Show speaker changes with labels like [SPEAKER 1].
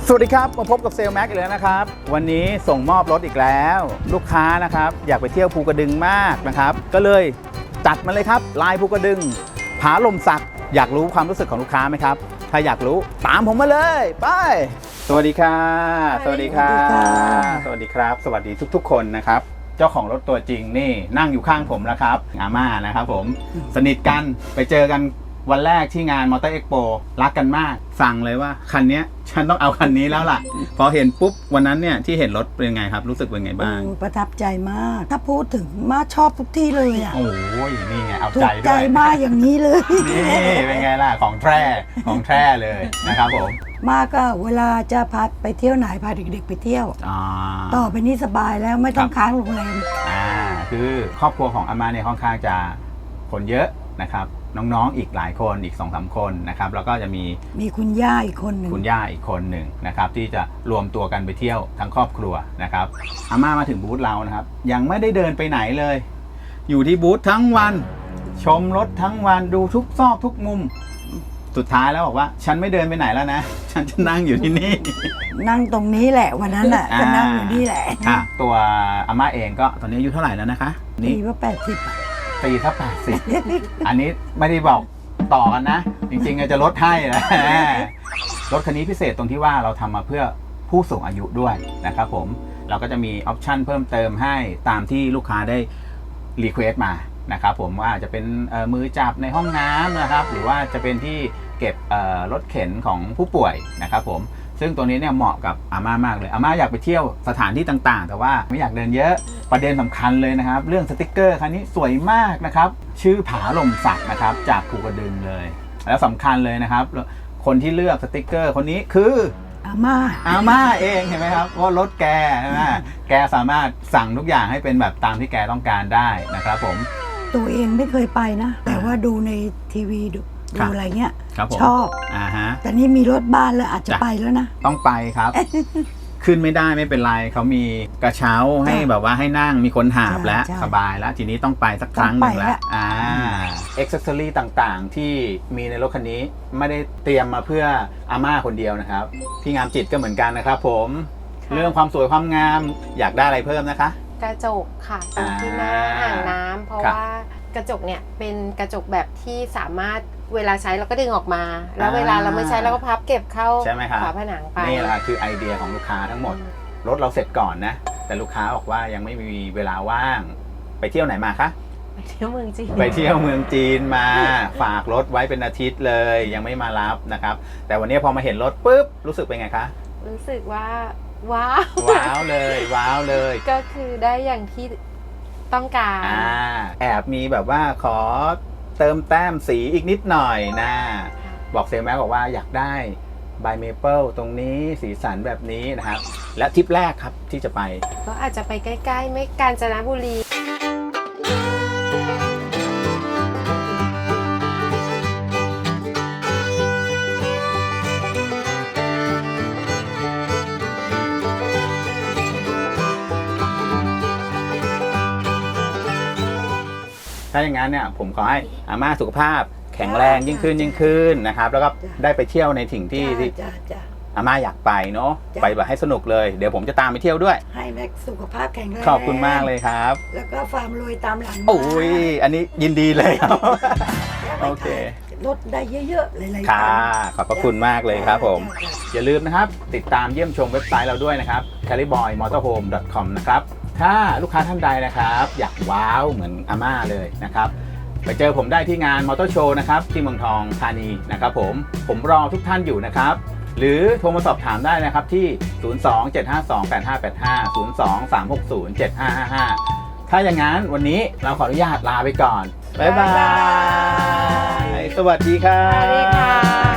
[SPEAKER 1] สวัสดีครับมาพบกับเซลแม็กอีกแล้วนะครับวันนี้ส่งมอบรถอีกแล้วลูกค้านะครับอยากไปเที่ยวภูกระดึงมากนะครับก็เลยจัดมาเลยครับลายภูกระดึงผาลมสักอยากรู้ความรู้สึกของลูกค้าไหมครับถ้าอยากรู้ตามผมมาเลยไปสวัสดีค่ะสวัสดีค่ะสวัสดีครับสวัสดีทุกๆคนนะครับเจ้าของรถตัวจริงนี่นั่งอยู่ข้างผมแล้วครับอาม่านะครับผมสนิทกันไปเจอกันวันแรกที่งานมอเตอร์เอ็กโปรักกันมากสั่งเลยว่าคันนี้ฉันต้องเอาคันนี้แล้วล่ะพอเห็นปุ๊บวันนั้นเนี่ยที่เห็นรถเป็นไงครับรู้สึกเป็นไงบ้าง
[SPEAKER 2] ประทับใจมากถ้าพูดถึงมาชอบทุกที่เลยอ่ะ
[SPEAKER 1] โอ้ยนี่ไงเอาใจด้วย
[SPEAKER 2] ถูกใจมากอย่างนี้เลย
[SPEAKER 1] นี่เป็นไงล่ะของแท้เลยนะครับผม
[SPEAKER 2] มาก็เวลาจะพาไปเที่ยวไหนพาเด็กๆไปเที่ยวต่อไปนี้สบายแล้วไม่ต้องค้างโรงแรม
[SPEAKER 1] คือครอบครัวของอาม่าเนี่ยค่อนข้างจะคนเยอะนะครับน้องๆอีกหลายคนอีก 2-3 คนนะครับแล้วก็จะมี
[SPEAKER 2] คุณย่าอีกคนหนึ่ง
[SPEAKER 1] นะครับที่จะรวมตัวกันไปเที่ยวทั้งครอบครัวนะครับอาม่ามาถึงบูธเรานะครับยังไม่ได้เดินไปไหนเลยอยู่ที่บูธทั้งวันชมรถทั้งวันดูทุกซอกทุกมุมสุดท้ายแล้วบอกว่าฉันไม่เดินไปไหนแล้วนะฉันจะนั่งอยู่ที่นี่
[SPEAKER 2] นั่งตรงนี้แหละวันนั้นแหละก็นั่งอยู่นี่แหละ
[SPEAKER 1] ตัวอาม่าเองก็ตอนนี้อายุเท่าไหร่แล้วนะคะ
[SPEAKER 2] นี่ว่า80
[SPEAKER 1] ปีถ้า80อันนี้ไม่ได้บอกต่อกันนะจริงๆจะลดให้นะรถคันนี้พิเศษตรงที่ว่าเราทำมาเพื่อผู้สูงอายุด้วยนะครับผมเราก็จะมีออปชั่นเพิ่มเติมให้ตามที่ลูกค้าได้รีเควสต์มานะครับผมว่าจะเป็นมือจับในห้องน้ำนะครับหรือว่าจะเป็นที่เก็บรถเข็นของผู้ป่วยนะครับผมซึ่งตัวนี้เนี่ยเหมาะกับอาม่ามากเลยอาม่าอยากไปเที่ยวสถานที่ต่างๆแต่ว่าไม่อยากเดินเยอะประเด็นสำคัญเลยนะครับเรื่องสติกเกอร์คันนี้สวยมากนะครับชื่อผาลมสักนะครับจากภูกระดึงเลยแล้วสำคัญเลยนะครับคนที่เลือกสติกเกอร์คนนี้คือ
[SPEAKER 2] อาม่า
[SPEAKER 1] เองเห็นไหมครับว่ารถแกใช่ไหมแกสามารถสั่งทุกอย่างให้เป็นแบบตามที่แกต้องการได้นะครับผม
[SPEAKER 2] ตัวเองไม่เคยไปนะแต่ว่าดูในทีวีดูอะไรเงี้ยชอบแต่นี่มีรถบ้านแล้วอาจจะไปแล้วนะ
[SPEAKER 1] ต้องไปครับ ขึ้นไม่ได้ไม่เป็นไรเขามีกระเช้าให้แบบว่าให้นั่งมีคนหาบแล้วสบายแล้วทีนี้ต้องไปสักครั้งหนึ่งแล้วอ็อกเซสซอรี่ต่างๆที่มีในรถคันนี้ไม่ได้เตรียมมาเพื่ออาม่าคนเดียวนะครับพี่งามจิตก็เหมือนกันนะครับผมเรื่องความสวยความงามอยากได้อะไรเพิ่มนะคะ
[SPEAKER 3] กระจกค่ะตรงที่หน้าอ่างน้ำเพราะว่ากระจกเนี่ยเป็นกระจกแบบที่สามารถเวลาใช้เราก็ดึงออกมาแล้วเวลาเราไม่ใช้เราก็พับเก็บเข้าฝาผนังไป
[SPEAKER 1] นี่แหละคือไอเดียของลูกค้าทั้งหมดรถเราเสร็จก่อนนะแต่ลูกค้าบอกว่ายังไม่มีเวลาว่างไปเที่ยวไหนมาคะ
[SPEAKER 3] ไปเที่ยวเมืองจี
[SPEAKER 1] นมาฝากรถไว้เป็นอาทิตย์เลยยังไม่มารับนะครับแต่วันนี้พอมาเห็นรถปุ๊บรู้สึกเป็นไงคะ
[SPEAKER 3] รู้สึกว่าว้
[SPEAKER 1] าวเลย
[SPEAKER 3] ก็คือได้อย่างที่ต้องการ
[SPEAKER 1] แอบมีแบบว่าขอเติมแต้มสีอีกนิดหน่อยนะบอกเซลแม็กบอกว่าอยากได้ใบเมเปิลตรงนี้สีสันแบบนี้นะครับและทริปแรกครับที่จะไป
[SPEAKER 3] ก็อาจจะไปใกล้ๆไม่กาญจนบุรี
[SPEAKER 1] ถ้าอย่างนั้นเนี่ยผมขอให้อาม่าสุขภาพแข็งแรงยิ่งขึ้นนะครับแล้วก็ได้ไปเที่ยวในถิ่งที่อาม่าอยากไปเนาะไปแบบให้สนุกเลยเดี๋ยวผมจะตามไปเที่ยวด้วย
[SPEAKER 2] ให้แม็กสุขภาพแข็งแรง
[SPEAKER 1] ขอบคุณมากเลยครับ
[SPEAKER 2] แล้วก็ฟาร์มรวยตามหลัง
[SPEAKER 1] โอ้ยอันนี้ยินดีเลยครับโอเค
[SPEAKER 2] ลดได้เยอะๆเลย
[SPEAKER 1] ค่ะขอบพระคุณมากเลยครับผมอย่าลืมนะครับติดตามเยี่ยมชมเว็บไซต์เราด้วยนะครับ caliboymotorhome.com นะครับถ้าลูกค้าท่านใดนะครับอยากว้าวเหมือนอาม่าเลยนะครับไปเจอผมได้ที่งานมอเตอร์โชว์นะครับที่เมืองทองธานีนะครับผมรอทุกท่านอยู่นะครับหรือโทรมาสอบถามได้นะครับที่ 02-752-8585 02-360-7555 ถ้าอย่างนั้นวันนี้เราขออนุญาตลาไปก่อนบ๊ายบายสวัสดีครับ